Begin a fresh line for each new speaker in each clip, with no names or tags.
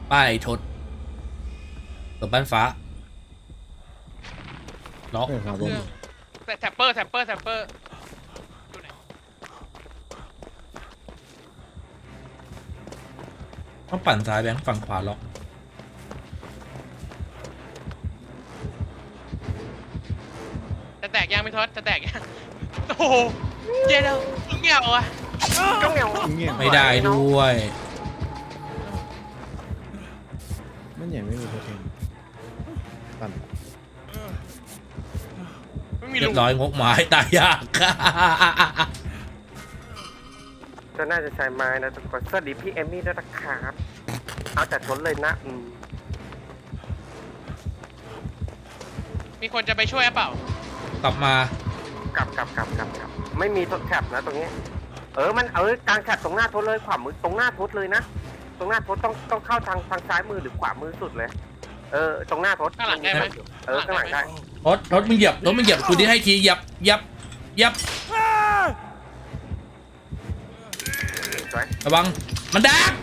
ป้ายทศกับบ้านฟ้าล็อก
ครับ
เครื่องแต่แท็ปเปอร์อยู่ไหน
ต้องปั่นซ้ายแบงค์ฝั่งขวาล็อก
จะแตกยังไม่ทอดจะแตกยังโอ้โหเย็นแล้วเงี้ยอ่ะ
ก็เงียบ
ไม่ได้ด้วย
มันใหญ่ไม่มีโปรตีนปั่น
ไม่มี
เรี
ลู
ย
ก
บร้อยงกไม้ตายยาก
ก็น่าจะใช้ไม้นะทุกคนสวัสดีพี่เอมมี่ด้วยนะครับเอาแต่ทนเลยนะ
มีคนจะไปช่วยเปล่าก
ลับมาก
ลับไม่มีทดแคปนะตรงนี้มันกลางแคปตรงหน้าทดเลยขวามือตรงหน้าทดเลยนะตรงหน้าทดต้องเข้าทางซ้ายมือหรือขวามือสุดเลยตรงหน้าทด
ข้างหลังได้ไหม
ข้างหลังได้
รถมึงเหยียบกูที่ให้ทียับ
สวย
ระวังมันดัก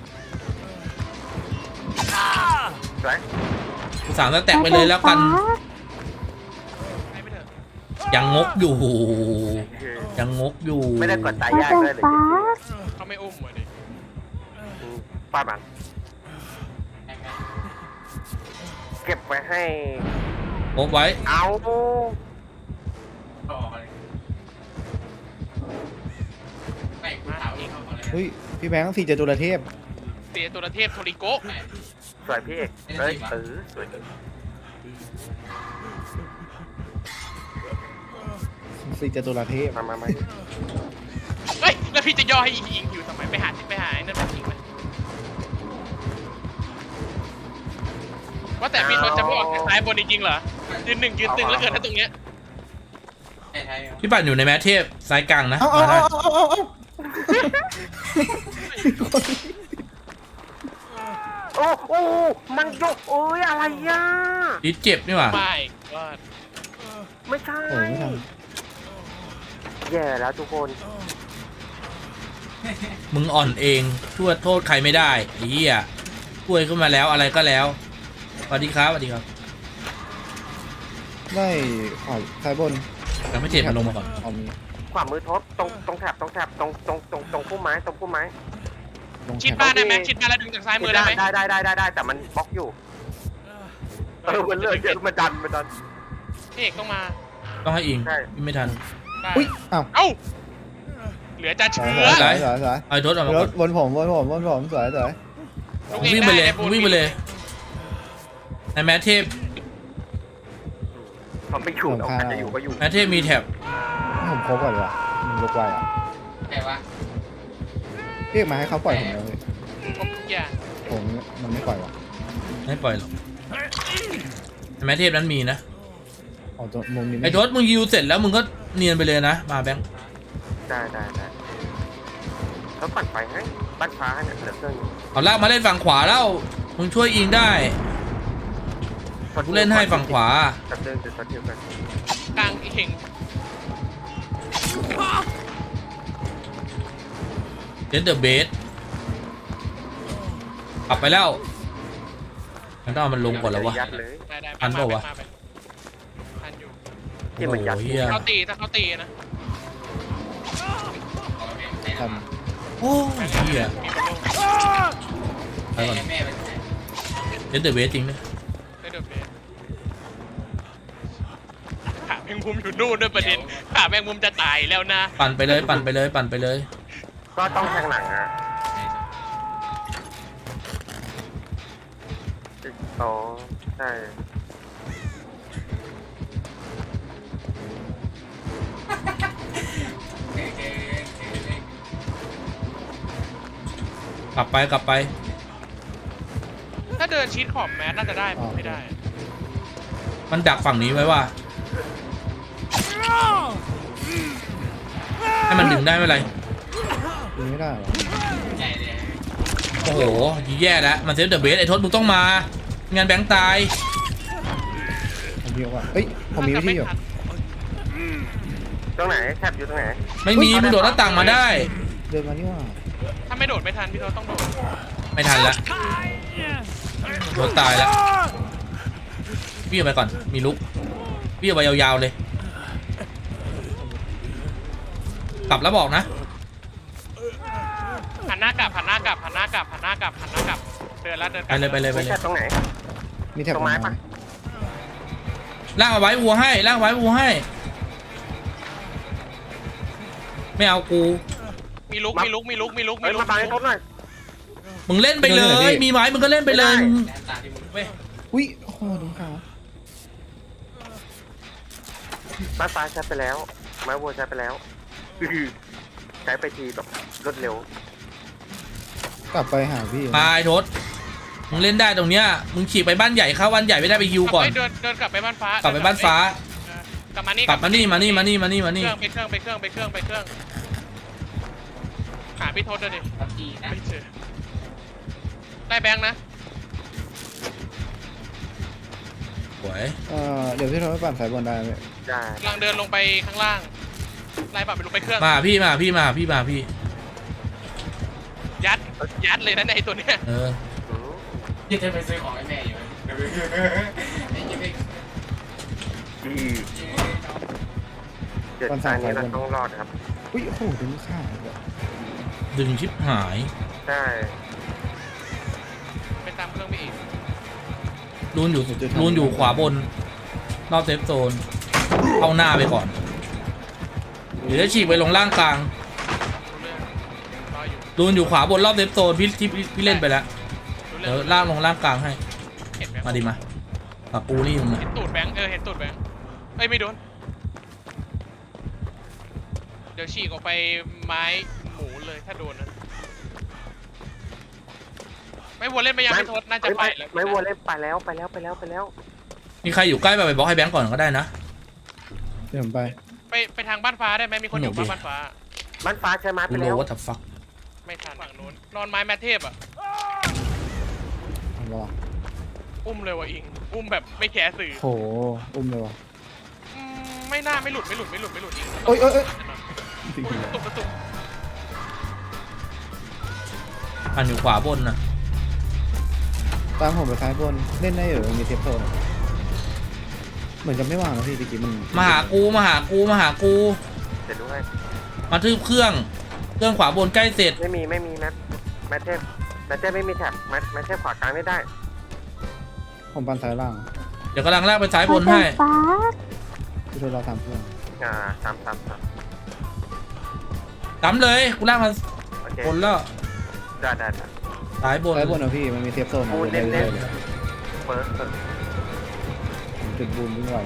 สวย
กูสามแล้วแตกไปเลยแล้วกัน
ไปไม่เถอะ
ยังงกอยู่ยังงกอยู่
ไม่ได้กดตายยากเลย
เขาไม่อุ้มเลยดิ
ป้ามันเก็บไว้ให้
โอบไว้
เอา
มาเอง
เฮ้ยพี่แบงค์สี่จตุรเทพ
เสียตัวเทพโทริโกะ
สวยพี่เอกสวย
สี่จตุรเทพ
มา
เฮ้ยแล้วพี่จะย่อให้อิงอยู่ทำไมไปหาไอ้นั่นมาทิ้งไปว่าแต่พี่ทศจะไม่ออกจากซ้ายบนจริงๆเหรอยืนตึงแล้วเกิดถ้าตรงเนี้ย
พี่ปั่นอยู่ในแมทเทพซ้ายกลางนะ
เอา
มาได้
โอ้มันยกอะไรย่ะ
ดิเจ็บนี่หว่า
ไม่ก็
ไม่ใช่
โอ้ยไม่ทัน
แย่แล้วทุกคน
มึงอ่อนเองโทษใครไม่ได้ไอ้เหี้ยป่วยขึ้นมาแล้วอะไรก็แล้วสวัสดีครับ
ได้ซ้ายบน
ยังไม่เจ็บมันลงมาก่อน
เอามี
ขวามือทบตรงแถบตรงพุ่มไม้ตรงพุ่มไม้
ลง
ชิด
แถ
บ้า
บ
นได้ไหมชิดบ้านแล้วดึงจากซ้ายมือได้ไหม
ได้แต่มันบล็อกอยู่มันเลือดเยอะมันดัน
พี่เอกต้องมา
ต้องให้อิง
ใช่
ไม่ทัน
ได้
อุ้ยอ้าว
เอ้าเหลือจะเชื้อ
สวยสวย
เอาไอ้ทศออกมา
ร
ก่อ
ถ
น
บนผมสวย
ลูก
มึง
เอง
วิ่งไปเลย
ด้
มึงวิ่งไปเลยในแมทเทพ
มันไม่อยู่อาจจะอยู่ก็อยู่
แมทเทพมีแท็บ
ผมครบก่อนดีกว่ามันยกไวอ่ะ
แต่ว่า
เรียกมาให้เขาปล่อยผมเลย
ครบทุกอย่าง
ผมมันไม่ปล่อยว่ะ
ไม่ปล่อยหรอกในแมทเทพนั้นมีนะ
เอาตัวมุมนี้
ไอ้ทศมึงยิวเสร็จแล้วมึงก็เนียนไปเลยนะมาแบงค์
ได้แล้วปั่นไฟให้บ้านฟ้าเนี่ยเหลือเครื่องนึง
เอาลากมาเล่นฝั่งขวาแล้วมึงช่วยอิงได้กูเล่นให้ฝั่งขวา
ตัดเดินจะตัดเดียวกัน
กลางอีกเข่ง
เดนเดอร์เบสกลับไปแล้วมันต้องเอามันลงก่อนแล้ววะ
ยัดเลย
ได้
ทันเปล่าวะ
มาทันอยู่
ที่มันยัด
โอ้โหเหี้ย
เขาตีถ้าเขาตีนะ
ท
โอ้ยเหี้ย
มีคนลง
ไปก่อนเดนเดอร์เบสจริงนะ
ได้เดือบเลยขาแมงมุมอยู่นู่นด้วยประเด็นขาแมงมุมจะตายแล้วนะ
ปั่นไปเลย
ก็ต้องแทงหลังอ๋อใช่
กลับไป
ถ้าเดินชิดขอบแมสน่าจะได้ผมไม่ได้
มันดักฝั่งนี้ไว้ว่าให้มันดึงได้ไม่เป็นไร
ำยิงไม่ได้หรอ
โอ้โหแย่แล้วมันเซฟเดอะเบสไอ้ทศมึงต้องมา งานแบงค์ตาย
ผมยิงว่าเฮ้ยผมมีวิธีอยู่
ตรงไหนแคบอยู่ตรงไหน
ไม่มีมึงโดดหน้าต่างมาได้
เดินมานี่ว่า
ถ้าไม่โดดไม่ทันพี่โทต้องโดด
ไม่ทันละโดนตายแล้วพี่เอาไปก่อนมีลุกพี่เอาไปยาวๆเลยกลับแล้วบอกนะ
หันหน้ากลับหันหน้ากลับหันหน้ากลับหันหน้ากลับหันหน้ากลับเดินแล้วเดินก
ไป
ลับ
เลยไปเลยไป
ไม่
เลย
ใช่ตรงไหน
มีแถบ
ตรงไม้ปะ
ล่างเอาไว้วัวให้ล่างไว้วัวให้ไม่เอากู
มีลุกมีลุกมีลุกมีลุก
เฮ้
มี
ย
ลุก
มาบังให้ทศหน่อย
มึงเล่นไปเลยมีไม้มึงก็เล่นไปเลย
ไม่ได้
เว้ย
อุ้ยโอ้โหโดนขาว
บ้านฟ้าใช้ไปแล้วไม้วัวใช้ไปแล้วใช้ไปทีแบบรวดเร็ว
กลับไปหาพี่
มาไอ้ทศมึงเล่นได้ตรงเนี้ยมึงฉีกไปบ้านใหญ่เข้าบ้านใหญ่ไม่ได้ไปฮิวก่อน
เดินกลับไปบ้านฟ้าก
ลับไปบ้านฟ้า
กลับมานี่
กลับมานี่มานี่มานี่มานี่มา
เค
นี่
รื่องไปเครื่องไปเครื่องไปเครื่องไปเครื่องหาพี่ทศเดี๋ยวดิไม่เจอได้แบงค์นะ
สวย
เดี๋ยวพี่โทรไปปั่นสายบนได้ไหม
ได้
กำลังเดินลงไปข้างล่างไล่ปรับไปลงไปเครื่อง
มาพี่มาพี่มาพี่มาพี่
ยัดเลยนะในตัวเนี้ย
เออ
อืม
ยังจะไปซื้อของให้แม่อยู่ไอ้ยังไม่
ดีเจ็ดตานี้เราต้องรอดครับ
อุ้ยโอ้โหโดนฆ่าแบบ
ดึงชิบหาย
ใช่
ไปตามเครื่องไปอีก
รูนอยู่ขวาบนรอบเซฟโซนเอาหน้าไปก่อนหรือจะฉีกไปลงล่างกลาง
รู้เรื่องรออยู่
รูนอยู่ขวาบนรอบเซฟโซนพี่เล่นไปแล้ว
รู้
เดี๋
เรื่
ย
อ
ว
ง
ล่างลงล่างกลางให้
เห็นแบงค์
มาดิมาปากกูนี่มึง
เห็นตูดแบงค์เห็นตูดแบงค์เอ้ยไม่โดนเดี๋ยวฉีกออกไปไม้หมูเลยถ้าโดนนะไม่วัวเล่นไปยังไม่ทดน่าจะไปแล้ว
ไม่วัวเล่นไปแล้วไปแล้ว
มีใครอยู่ใกล้ไปบล็อกให้แบงก์ก่อนก็ได้นะ
เดี๋ยวผมไป
ไปทางบ้านฟ้าได้ไหมมีคนอยู่
หนูดิ
บ้านฟ้า
บ้านฟ้าใช้ไม้
กู
ไป
โล
แล้ว
ว่าทับฟัก
ไม่ทันฝั่งนู้นนอนไม้แมทเทพอ่ะ
เอารอ
อุ้มเลยว่ะอิงอุ้มแบบไม่แคร์สื่อ
โหอุ้มเลยวะ
ไม่น่าไม่หลุดอิง
โอ้ยโอ้ยโอ้ย
ตุกกระตุก
อันอยู่ขวาบนนะ
ตามผมไปซ้ายบนเล่นได้เหรอมีเทปโซนเหมือนจะไม่วางนะพี่ตะกี้มัน
มาหากูมาหากูมาหากู
เสร็จด้วย
มาทืบเครื่องขวาบนใกล้เสร็จ
ไม่มีแมทเทพไม่มีแท็บแมทเทพขวากลางไม่ได้
ผมปั่นซ้ายล่าง
เดี๋ยวกำลังลากไปซ้ายบนให้
พี่โทรเราทำเพื่อน
ตาม
ตำเลยกูลากมา
โอเค
บนแล้ว
ได้
ซ้ายบน
ซ้ายบนนะพี่มันมีเทปโซน
บูน
เล่
เล่
น
น
เลย
เปิด
จุดบูนวิ่งไหว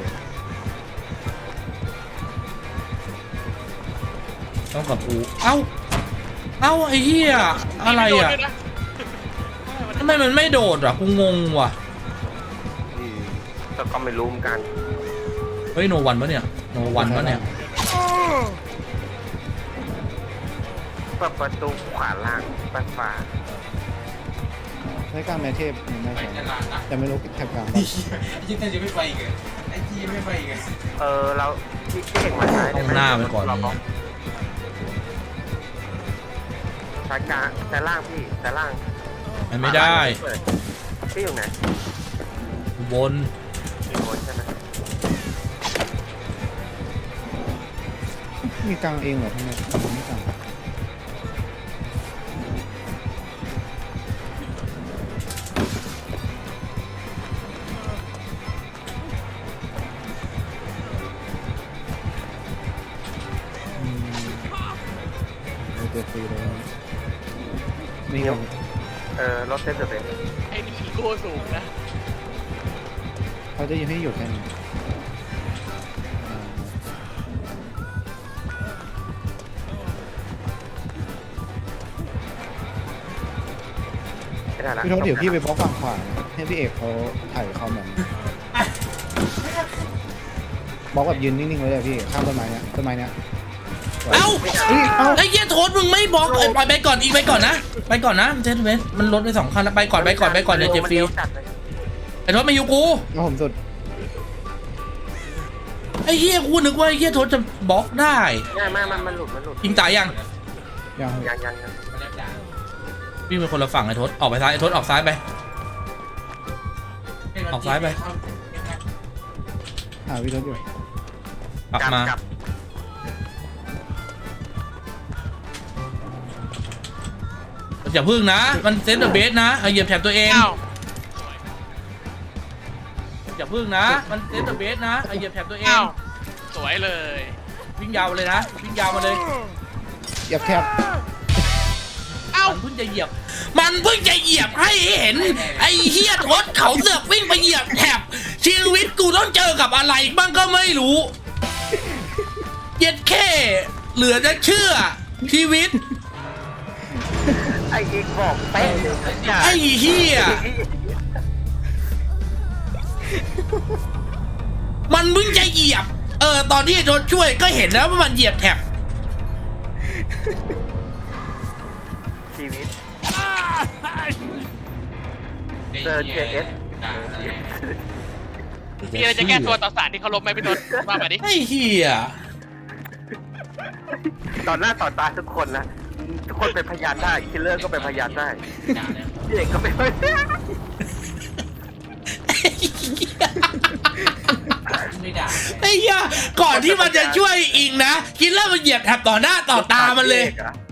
ต้องกับกูเอ้าไอ้เหี้ยอะไรอ่ะทำไมมันไม่โดดอ่ะกูงงว่ะ
แต่ก็ไม่รู้เหมือนกัน
เฮ้ยโนวันปะเนี่ยโนวันปะเนี่ย
เปิดประตูขวาล่างบ้านฟ้า
ใช้การแมทเทปไม่ใช่
ตลาดนะ
แต่ไม่รู้แถบกลาง
ยังจะไม่ไปอีกไอ้ที่ไม่ไปอีก
เราที่เห็นมาใช้
ต้องหน้าไปก่อน
ใช้กลางใช้ล่างพี่ใช้ล่าง
มันไม่ได้
พี่อยู่ไหน
บน
อยู่บนใช่ไหม
มีกลางเองเหรอทำไมไม่กลางเตะฟรีเลยนี่ครับ
รถเต้นจะเป็น
ไอ้นี่โก้สูงนะ
เขาจะยังให้หยุดแค่นี้
ไม่ได้ละ
พี่โทษเดี๋ยวพี่ไปบล็อกฝั่งขวานะให้พี่เอกเขาถ่ายคอมแบบบล็อกแบบยืนนิ่งๆไว้เลยพี่ข้ามต้นไม้เนี้ย
เอ้า
เฮ้ยเอ้า
ไอ้เหี้ยโทษมึงไม่บล็อกปล่อยไปก่อนอีกไปก่อนนะไปก่อนนะเจนเวนมันลดไป2 คันแล้วไปก่อนเดี๋ยวเจ็บฟรีไอ้โทษมาอยู่กู
แล้วผมสุด
ไอ้เหี้ยกูนึกว่าไอ้เหี้ยโทษจะบล็อกได้
ไม่มันหลุด
ยิงตายยัง
ยัง
ยัง
มีวิ่งไปคนละฝั่งไอ้ทศออกไปซ้ายไอ้ทศออกซ้ายไป ออกซ้ายไป
หาวิธีอยู่
กลับมา
กลับ
อย่าพึ่งนะ มันเซนเตอร์เบสนะเอาเหยียบแถบตัวเอง
อ้าว
อย่าพึ่งนะ มันเซนเตอร์เบสนะเอาเหยียบแถบตัวเอง
อ้าวสวยเลย
วิ่งยาวมาเลยนะวิ่งยาวมาเลย
เหยียบแคบ
เอ้า
มันเพิ่งจะเหยียบ มันเพิ่งจะเหยียบให้เห็น ไอ้เฮียทศเขาเสือกวิ่งไปเหยียบแถบชีวิตกูต้องเจอกับอะไรบ้างก็ไม่รู้เย็ดแค่เหลือจะเชื่อชีวิต
ไอ้อีกบอกเป๊ะเลย
ไอ้เฮียมันเพิ่งจะเหยียบ ตอนที่โดนช่วยก็เห็นแล้วว่ามันเหยียบแถบ
ชีวิตเจอ JS
มีอะไรจะแก้ตัวต่อสารที่เขาลบไหมพี่ทศว่ามาดิ
ไอ้เฮีย
ต่อหน้าต่อตาทุกคนนะ ทุกคนเป็นพยานได้คิลเลอร์ก็เป็นพยานได้พี่เอกก็เป็นพยาน
ไม่ด่า
ไอ้เฮียก่อนที่มันจะช่วยอิงนะคิดแล้วมันเหยียบแถบต่อหน้าต่อตามันเลย
พี่อกอะ